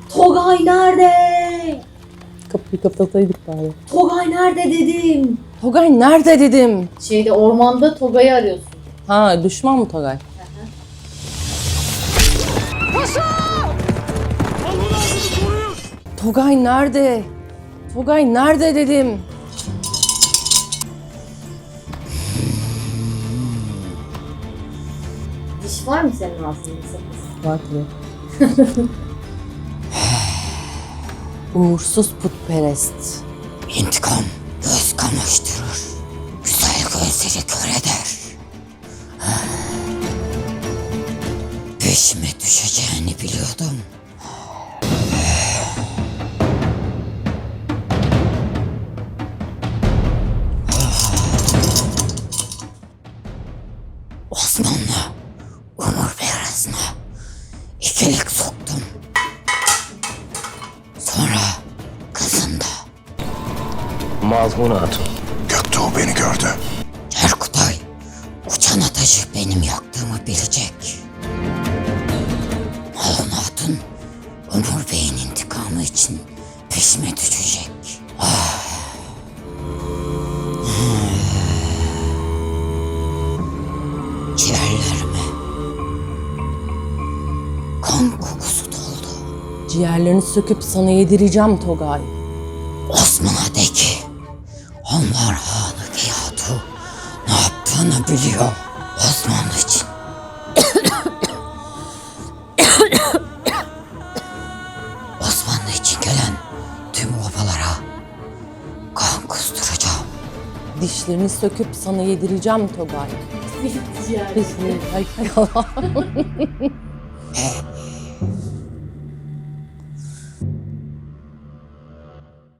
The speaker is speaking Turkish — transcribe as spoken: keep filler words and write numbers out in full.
Togay nerede? Kapıyı kapataydık bari. Togay nerede dedim. Togay nerede dedim. Şeyde ormanda Togay'ı arıyorsun. Ha düşman mı Togay? Togay nerede? Togay nerede dedim. Diş var mı senin ağzında sakız? Var tabii. Uğursuz putperest. İntikam göz kamaştırır. Güzel gözleri kör eder. Peşime düşeceğini biliyordum. Osmanlı Umur Beyazı'na ikilik soktum. Sonra kızında. Mazmun Hatun. Göktuğ beni gördü. Erkutay, uçan ateşi benim yaktığımı bilecek. Malhun Hatun, Umur Bey'in intikamı için peşime düşecek. Ah. Ciğerlerime kan kokusu doldu. Ciğerlerini söküp sana yedireceğim Togay. Osman'a de ki, onlar Hanı Geyatu ne yaptığını biliyor. Osmanlı için. Osmanlı için gelen tüm obalara kan kusturacağım. Dişlerini söküp sana yedireceğim Togay. Ciğer. Dişlerini... Ay, ay Allah.